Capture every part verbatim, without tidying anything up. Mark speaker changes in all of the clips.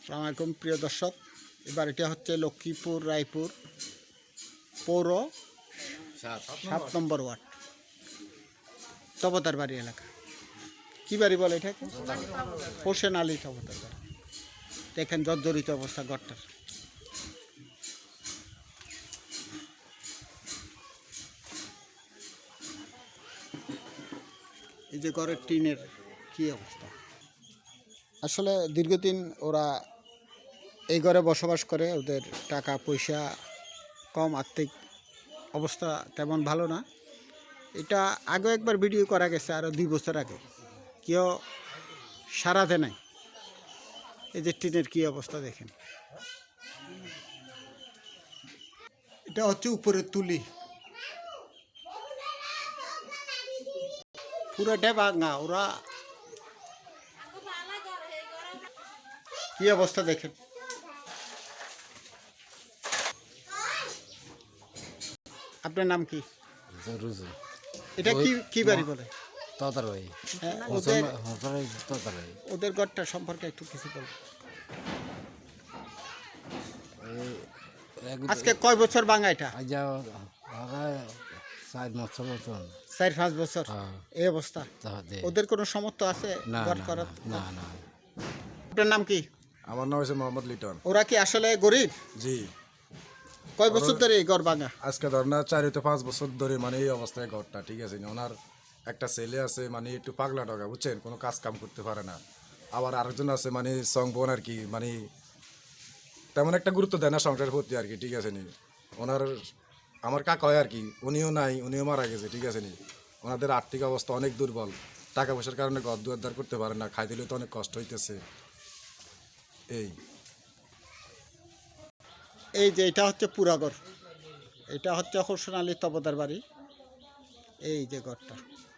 Speaker 1: আসসালামু আলাইকুম প্রিয় দর্শক, এবার এটা হচ্ছে লক্ষ্মীপুর রায়পুর পৌর সাত নম্বর ওয়ার্ড তবতার বাড়ি এলাকা। কী বাড়ি বলে এটাকে? হোসেন আলী তবতার বাড়ি। দেখেন জর্জরিত অবস্থা ঘরটার। এই যে ঘরের টিনের কী অবস্থা। আসলে দীর্ঘদিন ওরা এই ঘরে বসবাস করে, ওদের টাকা পয়সা কম, আর্থিক অবস্থা তেমন ভালো না। এটা আগে একবার ভিডিও করা গেছে আরও দুই বছর আগে, কেউ সারাতে নাই। এই যে টিনের কী অবস্থা দেখেন। এটা হচ্ছে উপরের তুলি, পুরোটা ভাঙা। ওরা কি অবস্থা দেখেন। আপনার নাম কি? এটা কি কি বাড়ি বলে? হ্যাঁ, ওদের ওদের ঘরটা সম্পর্কে একটু কিছু বল। আজকে কয় বছর ভাঙা এটা? চার পাঁচ বছর এই অবস্থা। ওদের কোনো সামর্থ্য আছে ঘর করার? আপনার নাম কি?
Speaker 2: আমার নাম হচ্ছে মোহাম্মদ লিটন।
Speaker 1: ওরা কি আসলে গরিব?
Speaker 2: জি।
Speaker 1: কয় বছর ধরে এই ঘর ভাঙা?
Speaker 2: আজকে ধর না চার হতে পাঁচ বছর ধরে মানে এই অবস্থায় ঘরটা, ঠিক আছে। ওনার একটা ছেলে আছে মানে একটু পাগলা টাকা, বুঝছেন, কোনো কাজ কাম করতে পারে না। আবার আরেকজন আছে মানে সং বোন আর কি, মানে তেমন একটা গুরুত্ব দেয় না সংসারের প্রতি আর কি, ঠিক আছে নি। ওনার আমার কাকা হয় আর কি, উনিও নাই, উনিও মারা গেছে, ঠিক আছে নি। ওনাদের আর্থিক অবস্থা অনেক দুর্বল, টাকা পয়সার কারণে ঘর দুয়ার করতে পারে না, খাই দিলে তো অনেক কষ্ট হইতেছে। এই
Speaker 1: এই যে এটা হচ্ছে পুরাগড়, এটা হচ্ছে হোসেন আলী তবতার বাড়ি। এই যে ঘরটা।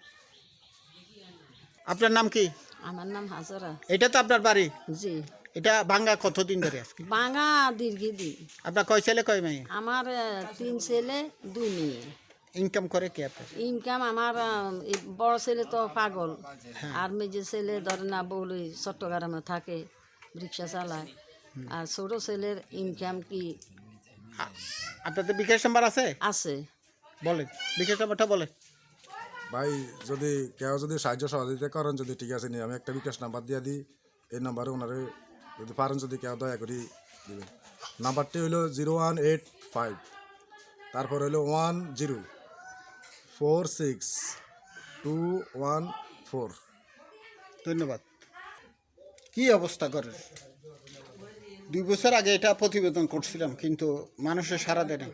Speaker 1: আপনার নাম কি?
Speaker 3: আমার নাম হাজরা।
Speaker 1: এটা তো আপনার বাড়ি?
Speaker 3: জি।
Speaker 1: এটা ভাঙ্গা কতদিন ধরে আজকে?
Speaker 3: বাঙা দীর্ঘদিন।
Speaker 1: আপনার কয় ছেলে কয় মেয়ে?
Speaker 3: আমার আহ, তিন ছেলে দুই মেয়ে।
Speaker 1: ইনকাম করে কি আপনার?
Speaker 3: ইনকাম আমার আহ, এই বড় ছেলে তো পাগল, আর মেজে ছেলে ধরে না বলি চট্টগ্রামে থাকে, রিক্সা চালায়। আর ছোট ছেলের ইনকাম কি
Speaker 1: আ- আপনাদের বিকাশ নাম্বার আছে?
Speaker 3: আছে।
Speaker 1: বলেন বিকাশ নাম্বারটা বলেন।
Speaker 2: ভাই, যদি কেউ যদি সাহায্য সহযোগিতা করেন যদি, ঠিক আছে নি, আমি একটা বিকাশ নাম্বার দিয়ে দিই। এই নাম্বারে ওনারে যদি পারেন যদি কেউ দয়া করি দেবেন। নাম্বারটি হইলো জিরো ওয়ান এইট ফাইভ, তারপর হইলো one zero four six two one four.
Speaker 1: ধন্যবাদ। কি অবস্থা করে? দুই বছর আগে এটা প্রতিবেদন করছিলাম, কিন্তু মানুষের সাড়া দেয় না।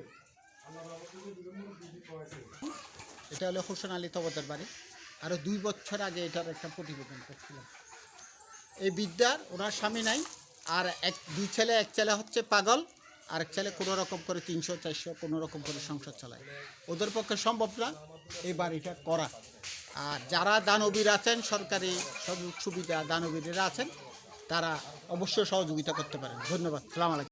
Speaker 1: এটা হলো হোসেন আলী তবতার বাড়ি। আরও দুই বছর আগে এটার একটা প্রতিবেদন করছিলাম। এই বিদ্যার ওনার স্বামী নাই, আর এক দুই ছেলে, এক ছেলে হচ্ছে পাগল, আর এক ছেলে কোনো রকম করে তিনশো চারশো কোনো রকম করে সংসার চালায়। ওদের পক্ষে সম্ভব না এই বাড়িটা করা। আর যারা দানবীর আছেন, সরকারি সুযোগ সুবিধা দানবীরেরা আছেন, তারা অবশ্যই সহযোগিতা করতে পারেন। ধন্যবাদ। সালাম আলাইকুম।